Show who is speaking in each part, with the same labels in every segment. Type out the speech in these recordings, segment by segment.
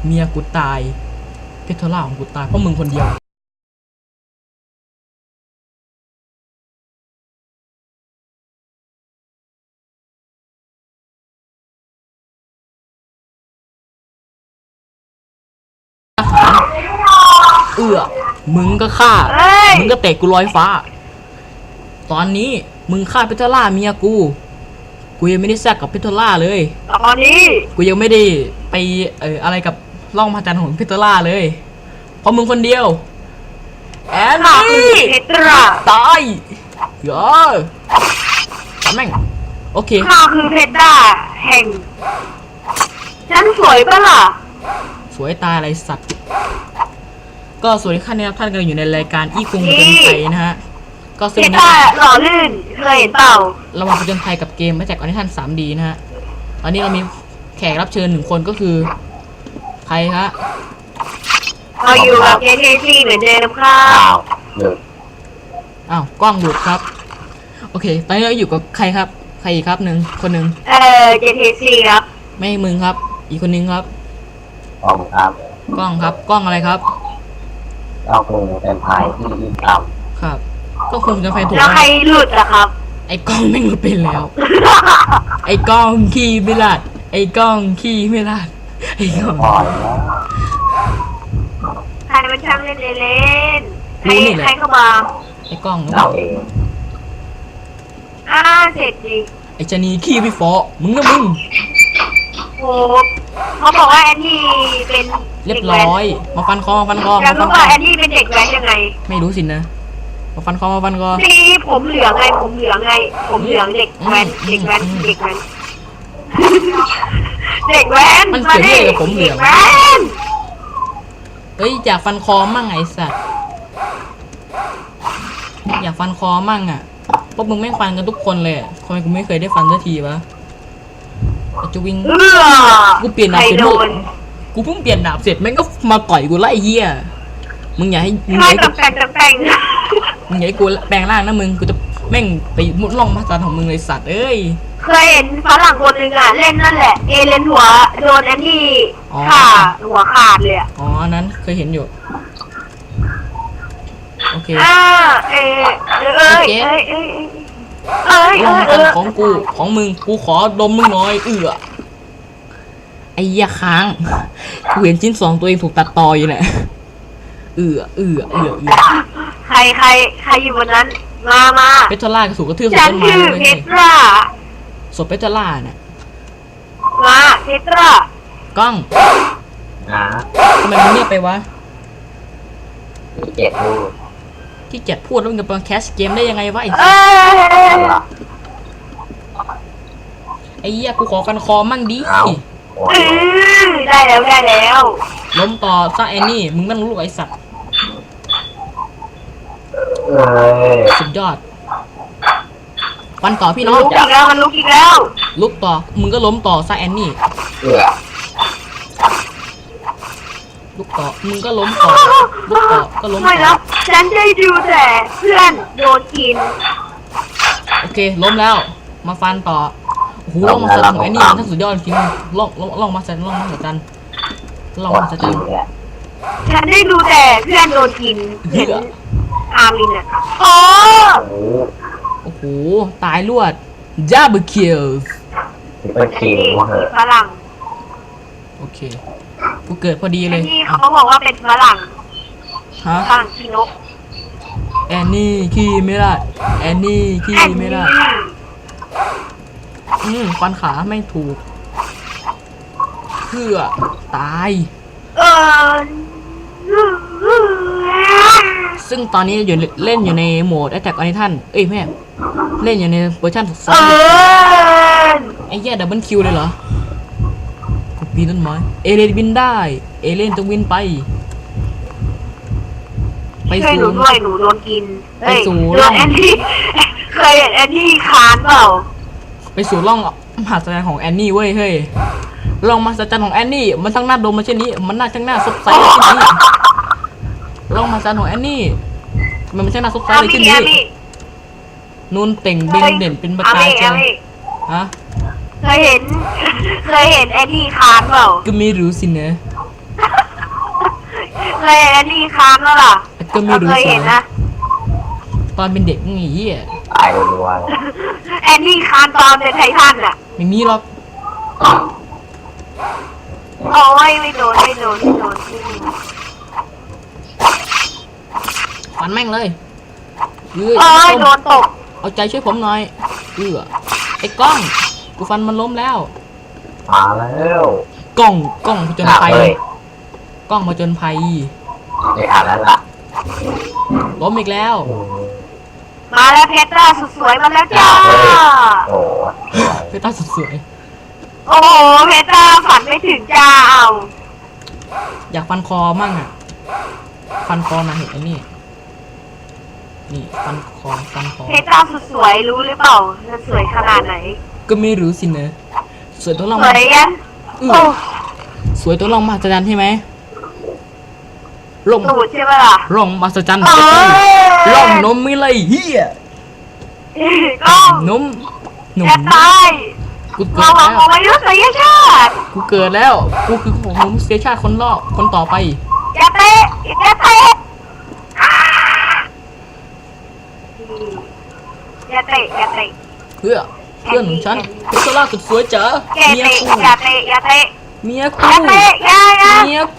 Speaker 1: เมียกูตายเพทล่าของกูตายเพราะมึงคนเดียวมึงก็ฆ่ามึงก็เตะกูลอยฟ้าตอนนี้มึงฆ่าเพทล่าเมียกูยังไม่ได้แซกกับเพทล่าเลย
Speaker 2: ตอนนี้
Speaker 1: กูยังไม่ได้ไปอะไรกับล่องพระจันทร์ของเพทล่าเลยเพราะมึงคนเดียวแอนนี่ตายเยอะทำแม่งโอเค
Speaker 2: ข้าคือเพชรด้าแห่งฉันสวยปะล่ะ
Speaker 1: สวยตายอะไรสัตว์ก็สวัสดีท่านนะครับท่านกำลังอยู่ในรายการอีกรุงผจญภัยนะฮะก็ซึ่ง
Speaker 2: เพชรด้าหล่อลื่นเคยเห็นเปล่า
Speaker 1: เรามาผจญภัยกับเกมมาจากออนิทัน 3D นะฮะตอนนี้เรามีแขกรับเชิญ1 คนก็คือใครฮะ
Speaker 2: เราอยู่กับเจเทซี่เหมือนเดิมครับ
Speaker 1: อ้าวกล้องหลุดครับโอเคตอนนี้เราอยู่กับใครครับใครอีกครับคนหนึ่ง
Speaker 2: เจเทซี่ครับ
Speaker 1: ไม่มึงครับอีกคนนึงครับ
Speaker 3: กล้องครับ
Speaker 1: กล้องครับกล้องอะไรครับ
Speaker 3: เราคงเป็นภายที่ยิ่งต่
Speaker 1: ำครับก็คงจะไฟถูก
Speaker 2: แล้วใครหลุดอะครับ
Speaker 1: ไอ้กล้องไม่หลุดไปแล้วไอ้กล้องขี้ไม่ลาดไอ้กล้องขี้ไม่ลาดไอ้กล้อง
Speaker 2: ใครมันช่างเล่นเล่นใครเข้ามา
Speaker 1: ไอ้กล้อง
Speaker 3: เราเอง
Speaker 2: เสร็จจริง
Speaker 1: ไอ้ชนีขี้พี่ฟอมึงนะมึง
Speaker 2: โอ้เขาบอกว่าแอนนี่เป็น
Speaker 1: เรียบร้อยมาฟันคอ
Speaker 2: แล้วรู้ว่าแอนนี่เป็นเด็กแว้นยังไง
Speaker 1: ไม่รู้สินะมาฟันคอ
Speaker 2: นี่ผมเหลืองไงผมเหลืองเด็กแว้นเด็กแว้นเด็กแว้น
Speaker 1: มันเสียเลยกับผมเหลืองเฮ้ยอยากฟันคอมั่งไอ้สัตว์อยากฟันคอมั่งอ่ะพวกมึงไม่ฟันกันทุกคนเลยทำไมกูไม่เคยได้ฟันสักทีวะจะวิ่งกูเปลี่ยนดาบเสร็จกูเพิ่งเปลี่ยนดาบเสร็จแม่งก็มาต่อยกูไล่เหี้ยมึงอย่าให้มึงอย่าให้กูแปลงร่างนะมึงกูจะแม่งไปมุดล่องพระจันทร์ของมึงเลยสัตว์เอ้ย
Speaker 2: เคยเห็นฝรั่งคนหนึ่งอ่ะเล่นนั่นแหละเอเลนหัวโดนแอนนี่ขาหัวขาดเลย
Speaker 1: อ๋อนั้นเคยเห็นอยู่โอเคของกูของมึงกูขอดมมึงหน่อยไอ้ยาค้างกูเห็นชิ้น2ตัวเองถูกตัดต่ออยู่เนี่ย
Speaker 2: ใครอยู่บนนั้นมา
Speaker 1: เพชรล่าถูกกระทืบ
Speaker 2: ฉันชื่อเพชรล่า
Speaker 1: ศพเพชรล่าเนี่ย
Speaker 2: มาเพชรล่
Speaker 1: ากล้องทำไมมึงเงียบไปวะที่เจ็ดพูดแล้วมึงจะมาแคสเกมได้ยังไงวะไอ้เหี้ยกูขอกันคอมั่งดิ
Speaker 2: ได้แล้ว
Speaker 1: ล้มต่อซะแอนนี่มึงนั่งลูกไอ้สัตว์สุดยอดฟันต่อพี่น้อง
Speaker 2: ลุกอีกแล้ว
Speaker 1: ลุกต่อมึงก็ล้มต่อซะแอนนี่ลุกต่อมึงก็ล้มต่อลุกต่อก็ล้ม
Speaker 2: ไม่แล้วฉันได้ดูแต่เพื่อนโดนกิน
Speaker 1: โอเคล้มแล้วมาฟันต่อโอ้โหล่องมาสันของแอนนี่มันทั้งสุดยอดจริงล่องมาสัน
Speaker 2: ฉันได้ดูแต่เพื่อนโดนกินเห็นอาร์มินอ่ะ
Speaker 1: โอ้โหตายรวดดับเบิลคิล
Speaker 2: ฝรั่ง
Speaker 1: โอเคกูเกิดพอดีเลย
Speaker 2: นี่เขาบอกว่าเป็นฝรั่งฝรั่งขี้นก
Speaker 1: แอนนี่ขี้ไม่ได้แอนนี่ขี้ไม่ได้ฟันขาไม่ถูกเพื่อตายซึ่งตอนนี้เล่นอยู่ในโหมด Attack on Titan เอ้ยแม่เล่นอยู่ในเวอร์ชัน2ไอ้แย่ดับเบิลคิวเลยเหรอกูปีนต้นไม้เอเลนบินได้เอเลนต้องบินไป
Speaker 2: สู่หนูด้วยหนูโดนกินไปสู่ร่องแอนนี่เคยเห็นแอนนี่คานเปล่า
Speaker 1: ไปสู่ร่องมหัศจรรย์ของแอนนี่เว้ยเฮ้ยร่องมหัศจรรย์ของแอนนี่มันทั้งหน้าดมมาเช่นนี้มันน่าทั้งหน้าซบไซเลยเช่นนี้ร่องมหัศจรรย์ของแอนนี่มันไม่ใช่หน้าซบไซเลยเช่นนี้นูนเต่งเบงเด่นเป็นประกายเจ้าฮะ
Speaker 2: เคยเห็นแอนนี่คานเปล่า
Speaker 1: ก็ไม่รู้สินะ
Speaker 2: เคยแอนนี่ค้างแล้วล่ะ
Speaker 1: ก็ไม่รู้
Speaker 2: เคย
Speaker 1: สิ
Speaker 2: เห็นนะ
Speaker 1: ตอนเป็นเด็กไงเหี้ย
Speaker 3: ตายรัว
Speaker 2: แอนนี่ค้างตอนเป็นไททันอ่ะ
Speaker 1: ไม่มีหรอก
Speaker 2: โอ้ยไม่โดนไม่โดนไม่โดนไม่โดน
Speaker 1: ฟันแม่งเลยเอ้ย
Speaker 2: โอ้ยโดนตก
Speaker 1: เอาใจช่วยผมหน่อยไอ้กล้องกูฟันมันล้มแล้ว
Speaker 3: ๆมาแล้ว
Speaker 1: กล้องผจญภัย
Speaker 3: เลย
Speaker 1: กล้องผจญภัย
Speaker 3: ไม่อ่านแล้วล่ะ
Speaker 1: ล้มอีกแล้ว
Speaker 2: มาแล้วเพชรสุดสวยมาแล้วจ้า
Speaker 3: โอ้
Speaker 1: เพต้าสุดสวย
Speaker 2: โอ้โหเพชรฝันไม่ถึงจ้าเอา
Speaker 1: อยากฟันคอมั่งอ่ะ ฟันคอนะเห็นไอ้นี่นี่ฟันคอ
Speaker 2: เพชรสุดสวยรู้หรือเปล่าจะสวยขนาดไหน
Speaker 1: ก็ไม่รู้สินะสวยตัวลอง
Speaker 2: สวยยัน
Speaker 1: อื้
Speaker 2: โอ้
Speaker 1: อสวยตัวลองมาสจันใช่ไหมลง
Speaker 2: สูดใช่ไหมล่ะ
Speaker 1: ลองมาสจัน
Speaker 2: เอ้ย
Speaker 1: ลองนมไม่เลยเฮีย
Speaker 2: ก็
Speaker 1: นม
Speaker 2: จะตาย
Speaker 1: กูเกิ
Speaker 2: เรา
Speaker 1: ด
Speaker 2: หวั
Speaker 1: แล้
Speaker 2: ง
Speaker 1: ว
Speaker 2: ของมนุษยชาติ
Speaker 1: กูเกิดแล้วกูคือของมนุษยชาติคนต่อไป
Speaker 2: อย่าเตะอย่าเตะอย่าเตะอย่าเตะ
Speaker 1: เพื่อนของฉันเพชรล่าสุดสวยจ๋า
Speaker 2: อย่า
Speaker 1: เมีย
Speaker 2: เตะ
Speaker 1: กู
Speaker 2: อย่าเตะอย่าเตะ
Speaker 1: เมีย
Speaker 2: อ
Speaker 1: กู
Speaker 2: ย่าเตะอย่าอย่า
Speaker 1: เมียกู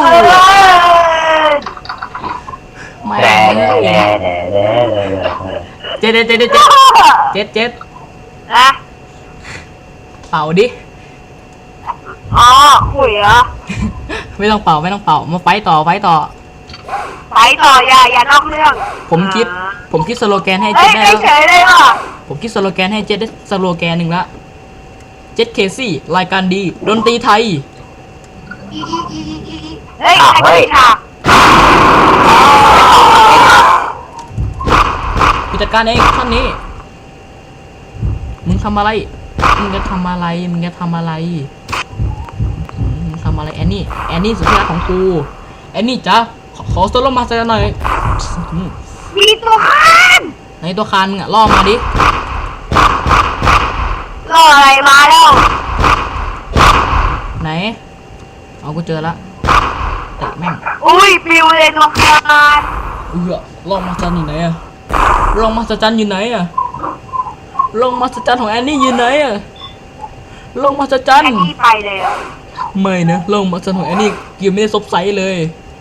Speaker 1: ไม่
Speaker 3: แด่
Speaker 1: เล
Speaker 3: แด่
Speaker 1: ย
Speaker 3: แด่แด่แด่แด่
Speaker 1: เจ็ด
Speaker 2: อะ
Speaker 1: เป่าดิ
Speaker 2: อ๋อขุยเหรอ
Speaker 1: ไม่ต้องเป่ามาไฟต่อ
Speaker 2: ไปต่ออย่านอกเรื่อง
Speaker 1: ผมคิดสโลแกนให้
Speaker 2: เฮ้
Speaker 1: เจ็
Speaker 2: ย
Speaker 1: ดได้
Speaker 2: ไม่
Speaker 1: แล้ว
Speaker 2: เฉยเลยว่ะ
Speaker 1: ผมคิดสโลแกนให้เจ็ดได้สโลแกนหนึ่งละเจ็ดเคซี่รายการดีดนตรีไทย
Speaker 2: เฮ้ยไอ้ฉาก
Speaker 1: ผู้จัดการเองท่านนี้มึงทำอะไรมึงจะทำอะไรมึงทำอะไรแอนนี่สุดที่รักของกูแอนนี่จ้ะขอโซโล่มาสักหน่อย
Speaker 2: มีตัวคาน
Speaker 1: ในตัวคานมึงอะล่อมาดิ
Speaker 2: รออะไรมาแล้ว
Speaker 1: ไหนเอากูเจอละเตะแม่ง
Speaker 2: อุ้ยปิวเลยตัวคาน
Speaker 1: ลองมาจันอยู่ไหนอะลองมาจันอยู่ไหนอะลองมาจันของแอนนี่อยู่ไหนอะลองมาจัน
Speaker 2: ไอ้นี่ไปเลย
Speaker 1: ไม่นะลองมาจันของแอนนี่ยังไม่ได้ซบไซส์เลย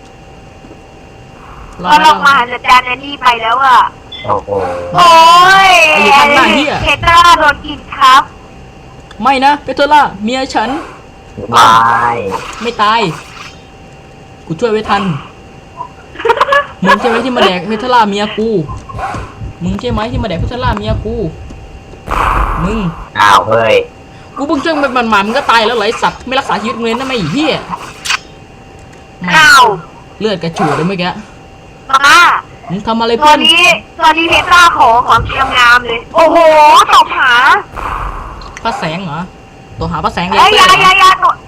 Speaker 2: ก็ลงมาจัดจานไอ้นี่ไปแล้วอ่ะ
Speaker 3: โอ้โห
Speaker 2: โอ้ย
Speaker 1: ไอ้ข้างหน้าเหี้ย
Speaker 2: เพตราโดนกินครับ
Speaker 1: ไม่นะเปโตรล่าเมียฉัน
Speaker 3: ตาย
Speaker 1: ไม่ตาย กูช่วยไว้ทัน มึงใช่ไหมที่มาแดกเพทล่าเมียกู มึงใช่ไหมที่มาแดกเพทล่าเมียกู มึง
Speaker 3: อ้าวเฮ้ย
Speaker 1: กูเพิ่งเชื่อมันหมามึงก็ตายแล้วไหลสัตว์ไม่รักษาชีวิตมึงเลยนะไม่เหี้ยแม่ง
Speaker 2: อ้าว
Speaker 1: เลือดกระฉูดเลยเมื่อกี้
Speaker 2: มา
Speaker 1: มึงทำอะไร
Speaker 2: ตั
Speaker 1: เพื่
Speaker 2: ว
Speaker 1: อน
Speaker 2: นี้เพตราของเตรียมงามเลย โอ้โหตบหา
Speaker 1: พระแสงเหรอ ตัวหาพระแสงเล
Speaker 2: เอ้
Speaker 1: ย
Speaker 2: ยอย่าตัว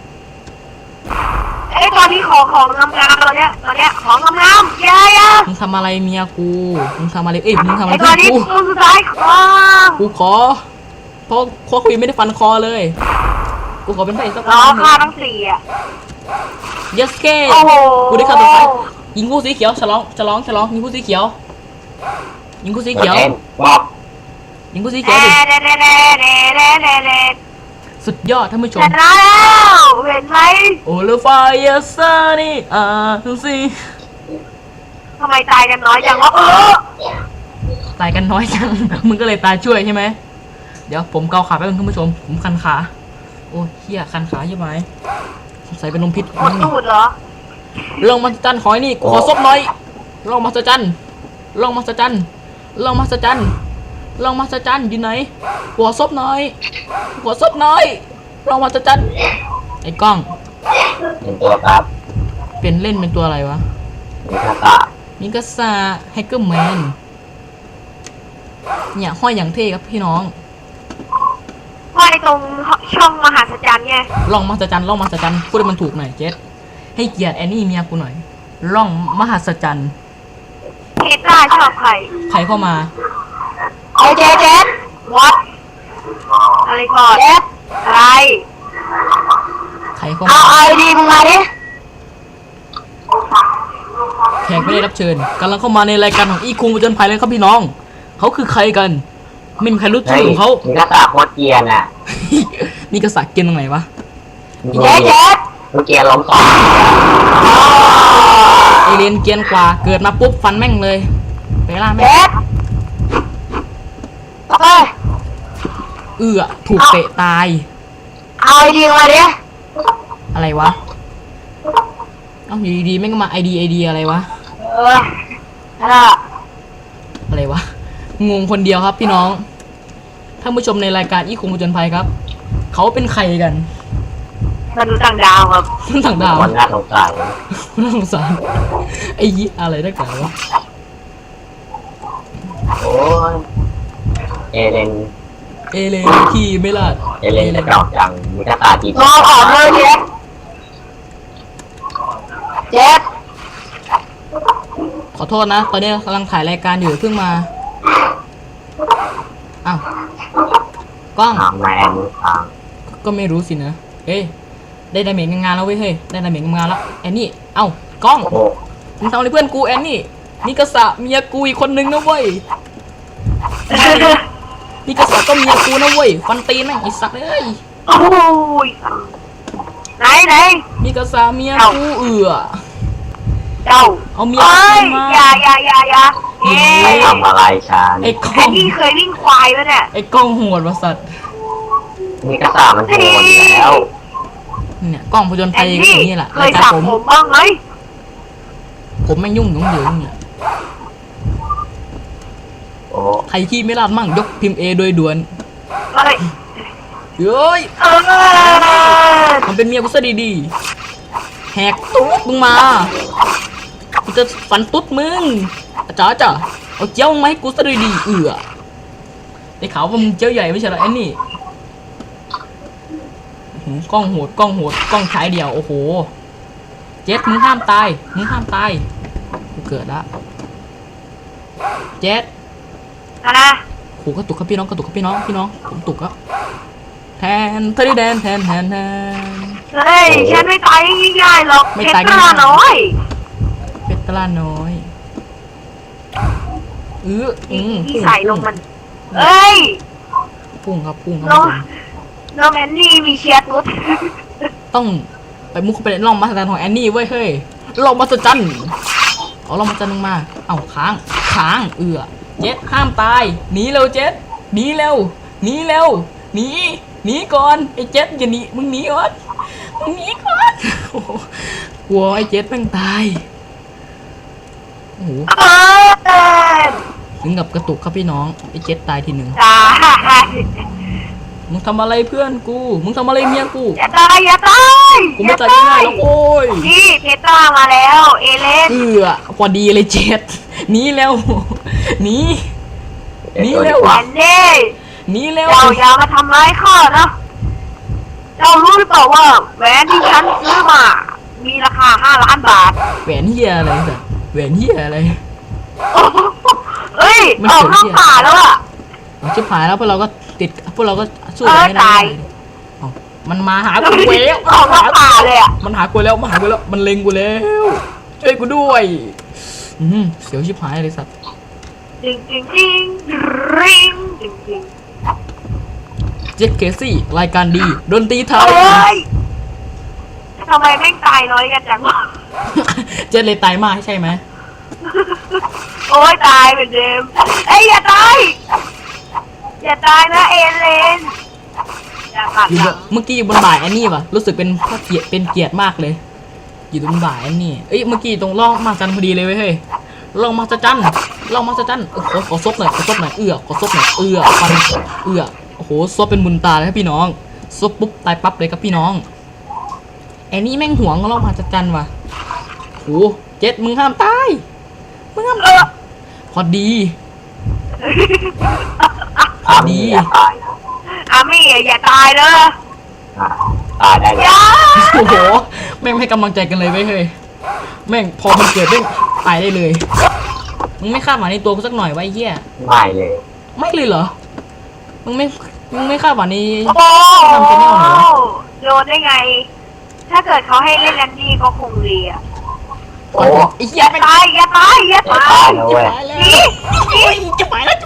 Speaker 2: เอ้ยตัวนี้ของงามๆตัวเนี้ยของงามๆอย่า
Speaker 1: มึงทำอะไรเมียกู มึงทำอะไรมึงทำอะไร
Speaker 2: ไอ้ตั
Speaker 1: เพื่
Speaker 2: ว
Speaker 1: อน
Speaker 2: นี้
Speaker 1: กู
Speaker 2: ตัวสุดท้ายของ
Speaker 1: กูขอเพราะคุยไม่ได้ฟันคอเลย กูขอเป็นพระเอกสัก
Speaker 2: ล้อ
Speaker 1: คนหนึ่
Speaker 2: ค่าง ทั้งสี่อ่ะ
Speaker 1: yes เก้
Speaker 2: โอ้โห
Speaker 1: กูได้ฆ่าตัวตายยิงผู้สีเขียวฉลองยิงผู้สีเขียวยิงผู้สีเขียว
Speaker 3: บอก
Speaker 1: ยิงผู้สีเขียวดิสุดยอดท่านผู้ช
Speaker 2: ช
Speaker 1: ม
Speaker 2: นะแล้วเห็นไหม
Speaker 1: โอเลฟายาซานี่ทุกสิ
Speaker 2: ทำไมตายกันน้อยจังวะ
Speaker 1: ตายกันน้อยจัง มึงก็เลยตายช่วยใช่ไหมเดี๋ยวผมเกาขาแป๊บนึงท่านผู้ชมผมคันขาโอ้เหี้ยคันขาใช่ไหมใส่เป็นลมพิษ
Speaker 2: หมดตูดเหรอ
Speaker 1: ลองมาสจันขอยนี่ขอซบหน่อยลองมาสจันอยู่ไหนหัวซบหน่อยลองมาสจันไอ้กล้อง
Speaker 3: เป็นตัวครับ
Speaker 1: เป็นเล่นเป็นตัวอะไรวะ
Speaker 3: มีคาตา
Speaker 1: มิกาซาแฮกเกอร์แมนเนี่ยห้อยอย่างเท่ครับพี่น้อง
Speaker 2: ห้อยตรงช่องมหาสัจจรรย์ไง
Speaker 1: ลองมาสจันพูดให้มันถูกหน่อยเจสให้เกียรติแอนนี่เมียกูหน่อยลองมหัศจรรย์
Speaker 2: เพตราชอบใคร
Speaker 1: ใครเข้ามา
Speaker 2: เอาเจวัดอะไรก่อนอะไร
Speaker 1: ใครเข้า
Speaker 2: เอา
Speaker 1: มา
Speaker 2: ไอดีมึงมาดิ
Speaker 1: กไม่ได้รับเชิญกำลังเข้ามาในรายการของอีคุงผจญภัยเลยครับพี่น้องเขาคือใครกันไม่มีใครรู้ชื่อของเขา
Speaker 3: มีกระสาโคตรเกียร์น่ะ
Speaker 1: มีกษัตริย์เกียนตรงไหนวะ
Speaker 2: เจ๊เจ๊
Speaker 3: เกียร์ล้มสอง
Speaker 1: เอเลียนเกียนกว่าเกิดมาปุ๊บฟันแม่งเลยไปล่าแม่ง
Speaker 2: เจ๊เฮ้ย
Speaker 1: ถูกเตะตาย
Speaker 2: เอาไอดีมาดิ
Speaker 1: อะไรวะเอ้าอยู่ดีๆแม่งก็มาไอดีอะไรวะ
Speaker 2: น่ะ
Speaker 1: อะไรวะงงคนเดียวครับพี่น้องท่านผู้ชมในรายการอีคุงผจญภัยครับเขาเป็นใครกัน
Speaker 2: มนุษย์ต่างดาวครับ
Speaker 1: ต่างดาว
Speaker 3: คนน่าสงสาร
Speaker 1: น่าสงสารไอ้ยี่อะไรได้กันวะ
Speaker 3: โอ้ยเอเลน
Speaker 1: เอเลนขี่ไม่ลาด
Speaker 3: เอเลนกระจอกจังมีกระตาจีบ
Speaker 2: รอออกเลยเจ๊เจ๊
Speaker 1: ขอโทษนะตอนนี้กำลังถ่ายรายการอยู่เพิ่งมาอ้าวกล้อง
Speaker 3: ทางแมนทาง
Speaker 1: ก็ไม่รู้สินะเอ้ยได้ดาเมจงานแล้วเว้ยเฮ้ยได้ดาเมจงานแล้วแอนนี่เอ้ากล้อง
Speaker 3: โอ้
Speaker 1: มึงทำอะไรเพื่อนกูแอนนี่นี่กษะเมียกูอีกคนนึงนะเว้ยนี่กษะก็เมียกูนะเว้ยฟันตีนแม่งไอ้สัตว์เอ้ย
Speaker 2: โอ้ยไหน
Speaker 1: นี่กษะเมียกู
Speaker 2: เจ้า
Speaker 1: เอาเมีย
Speaker 2: เอ้ย
Speaker 1: กูมา
Speaker 2: อย่าเอ๊
Speaker 3: ใคระ ทำอะไรฉัน
Speaker 1: ไอ้กล้อ
Speaker 2: ไอ้
Speaker 1: ง
Speaker 2: นี่เคยวิ่งควายแล้วเนี่ย
Speaker 1: ไอ้กล้องโหดวะสัตว์
Speaker 3: มีกระสามันโหดอยู่แล้ว
Speaker 1: เนี่ยกล้องผจญภั
Speaker 2: ไอ้
Speaker 1: ย
Speaker 2: นี่
Speaker 1: อย่างนี้แหละ
Speaker 2: เค
Speaker 1: ราย ยการ
Speaker 2: สับ
Speaker 1: ผม
Speaker 2: ผมบ้างไหม
Speaker 1: ผมไม่ยุ่งเหยิงเนี่ย
Speaker 3: โอ้
Speaker 1: ใครขี้ไม่ลาดมั่งยกพิมพ์ A โดยด่วน
Speaker 2: เอ้ย
Speaker 1: เฮ้ย
Speaker 2: เออ
Speaker 1: มันเป็นเมียกูซะดีๆแหกตุ๊ดมึงมากูจะฟันตุ๊ดมึงจ๋าเอาเจ้ามาให้กูซะดีๆได้ข่าวว่ามึงเจ้าใหญ่ไม่ใช่เหรอไอ้นี่กล้องโหดกล้องฉายเดียวโอ้โหเจ็ดมึงห้ามตายกูเกิดละเจ็ด
Speaker 2: นะ
Speaker 1: โหกระตุกครับพี่น้องผมตุกแล้วแทนเธอได้แดนแทน
Speaker 2: เฮ้ยฉันไม่ตายง่ายๆหรอก
Speaker 1: ไม่
Speaker 2: เพช
Speaker 1: ตาย
Speaker 2: ร
Speaker 1: ง่ายๆ
Speaker 2: น้อย
Speaker 1: เป็ดตลาน้อย
Speaker 2: ที่ใส่ลงมันเอ้ย
Speaker 1: พุ่งครับ
Speaker 2: น้องแอนนี่มีเชียร์ตุ๊ด
Speaker 1: ต้องไปมุกเข้าไปในร่องมหัศจรรย์ของแอนนี่เว้ยเฮ้ยร่องมหัศจรรย์เอาร่องมหัศจรรย์ลงมาเอาค้างเจ็ดห้ามตายหนีเร็วเจ็ดหนีเร็วหนีก่อนไอ้เจ็ดอย่าหนีมึงหนีก่อนโอ้โหกลัวไอ้เจ็ดแม่งตายโอ้โห
Speaker 2: เออ
Speaker 1: ถึงกับกระตุกครับพี่น้องไอ้เจ็ดตายทีหนึ่ง
Speaker 2: ตาย
Speaker 1: มึงทำอะไรเพื่อนกูมึงทำอะไรเมียกู
Speaker 2: อย่าตาย
Speaker 1: กูไม่ตายง่ายๆหรอกโอ้ย
Speaker 2: นี่เพชรมาแล้วเอเลน
Speaker 1: พอดีเลยเจ็ดหนีแล้วหนีเร็ว
Speaker 2: แอนนี่
Speaker 1: หนีเร็ว
Speaker 2: เจ้าอย่ามาทำร้ายข้านะเจ้ารู้หรือเปล่าว่าแหวนที่ฉันซื้อมา มีราคา5 ล้านบาท
Speaker 1: แหวนเฮียอะไรสัสแหวนเฮียอะไร
Speaker 2: โอ้โหเฮ้ย
Speaker 1: ไม่
Speaker 2: อ
Speaker 1: เกี่
Speaker 2: อย ก
Speaker 1: ว
Speaker 2: นอกป่าแล้วอ่ะ
Speaker 1: เอาชิบหายแล้วพวกเราก็สู้
Speaker 2: เออ
Speaker 1: ไม่ได้
Speaker 2: ตาย
Speaker 1: เอามันมาหากูแล้ว
Speaker 2: ออกนอกป่าเลยอ่ะ
Speaker 1: มันหากูแล้วมันเล็งกูแล้วช่วยกูด้วยเสียวชิบหายเลยสัตว์
Speaker 2: จริงริงจริง
Speaker 1: เจ็ดเคซี่รายการดีดนตรีไท
Speaker 2: เฮ้
Speaker 1: ย
Speaker 2: ยทำไมแม่งตายน้อยกันจังวะ
Speaker 1: เจ็ดเลยตายมากใช่ไหม
Speaker 2: โอ้ยตายเหมือนเดิมเอ้ยอย่าตายนะเอเลนอย่าขัด
Speaker 1: อยู่
Speaker 2: ห
Speaker 1: บ
Speaker 2: ลั
Speaker 1: น
Speaker 2: ง
Speaker 1: เมื่อกี้อยู่บนบ่ายแอนนี่ป่ะรู้สึกเป็นเกียรติมากเลย อยู่ตรงบ่ายแอนนี่เอ้ยเมื่อกี้ตรงร่องมาจันพอดีเลยเว้ยเฮ้ยร่องมาจันขอซบหน่อยขอซบหน่อยฟันโอ้โหซบเป็นบุญตาเลยครับพี่น้องซบปุ๊บตายปั๊บเลยครับพี่น้องแอนนี่แม่งหวงร่องมาจันว่ะโหเจ็ดมึงห้ามตายพอดี
Speaker 3: อย่าตายนะ
Speaker 2: อามี่อย่าตายเลย
Speaker 3: ตายได้เล
Speaker 2: อย ย่า
Speaker 1: โอ้โหแม่งไม่ให้กำลังใจกันเลยเว้ยเฮ้ยแม่งพอมันเกิดแม่งตายได้เลยมึงไม่คาดหวังในตัวกูสักหน่อยวะไอ้เหี้ย
Speaker 3: ไม่เลย
Speaker 1: ไม่เลยเหรอมึงไม่คาดหวังใน
Speaker 2: โอ้
Speaker 1: ทำ channel เหรอ
Speaker 2: โดนได้ไง ถ้าเกิดเขาให้เล่นแลนดี้ก็คงดีอ่ะ
Speaker 3: โอ้
Speaker 1: ไอ้
Speaker 2: อ
Speaker 1: เหี้ย
Speaker 2: ย่า
Speaker 1: แม่ง
Speaker 2: ตายอย่าตายอย่าตาย
Speaker 3: แล้วเว้ย
Speaker 1: ตายแล้วโอ้ยจะไปแล้ว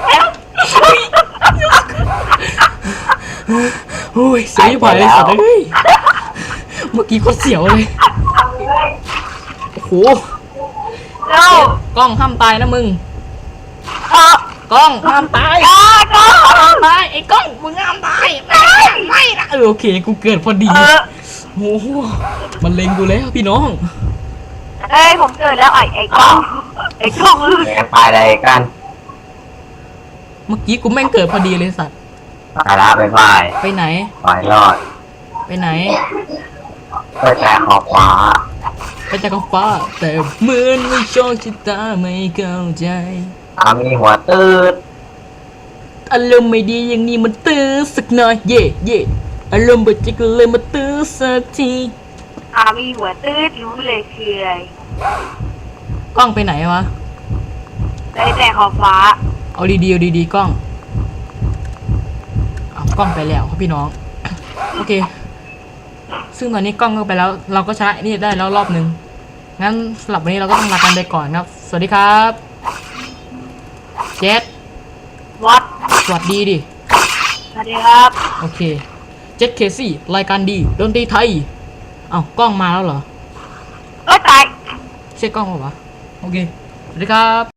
Speaker 1: โอ้ยเสียไปเลยสัตว์เอ้ยเมื่อกี้โคตรเสียวเลยโอ้โห
Speaker 2: เร็ว
Speaker 1: กล้องห้ามตายนะมึง
Speaker 2: เออก
Speaker 1: ล้องห้ามตาย
Speaker 2: ก็
Speaker 1: ห้ามตายไอ้กล้องมึงห้ามตายไม่นะโอเคกูเกิดพอดีโอ้โหมันเล็งกูแล้วพี่น้อง
Speaker 2: เอ้ยผมเกิดแล้วไอ้กล้องไอ้กล้อง
Speaker 3: แกไปอะไรกัน
Speaker 1: เมื่อกี้กูแม่งเกิดพอดีเลยสัตว์
Speaker 3: ไปละไปไป
Speaker 1: ไปไหน
Speaker 3: ไปรอด
Speaker 1: ไปไหน
Speaker 3: ไปแต่ขอบฟ้า
Speaker 1: ไปจากขอบฟ้าแต่เหมือนไม่โชคชะตาไม่เข้าใจ
Speaker 3: มีหัวตืด
Speaker 1: อารมณ์ไม่ดีอย่างนี้มันตื้อสักหน่อยเย่เย่อารมณ์บดใจก็เลยมาตื้อสักที
Speaker 2: มีหัวตืดรู้เลยคืออะไร
Speaker 1: กล้องไปไหนวะ
Speaker 2: ได้แต่ขอบฟ้า
Speaker 1: เอาดีๆเอาดีๆกล้องเอากล้องไปแล้วครับพี่น้อง โอเค ซึ่งตอนนี้กล้องก็ไปแล้ว เราก็ชนะนี่ได้แล้วรอบนึง งั้นสำหรับวันนี้เราก็ต้องลากันไปก่อนครับ สวัสดีครับเจส
Speaker 2: วัด
Speaker 1: สวัสดีดิ
Speaker 2: สวัสดีครับ
Speaker 1: โอเคเจสเคซี่รายการดีดนตรีไทย เอ้ากล้องมาแล้วเหรอ
Speaker 2: เอ้ยตาย
Speaker 1: ใช่กล้องเปล่าวะโอเค สวัสดีครับ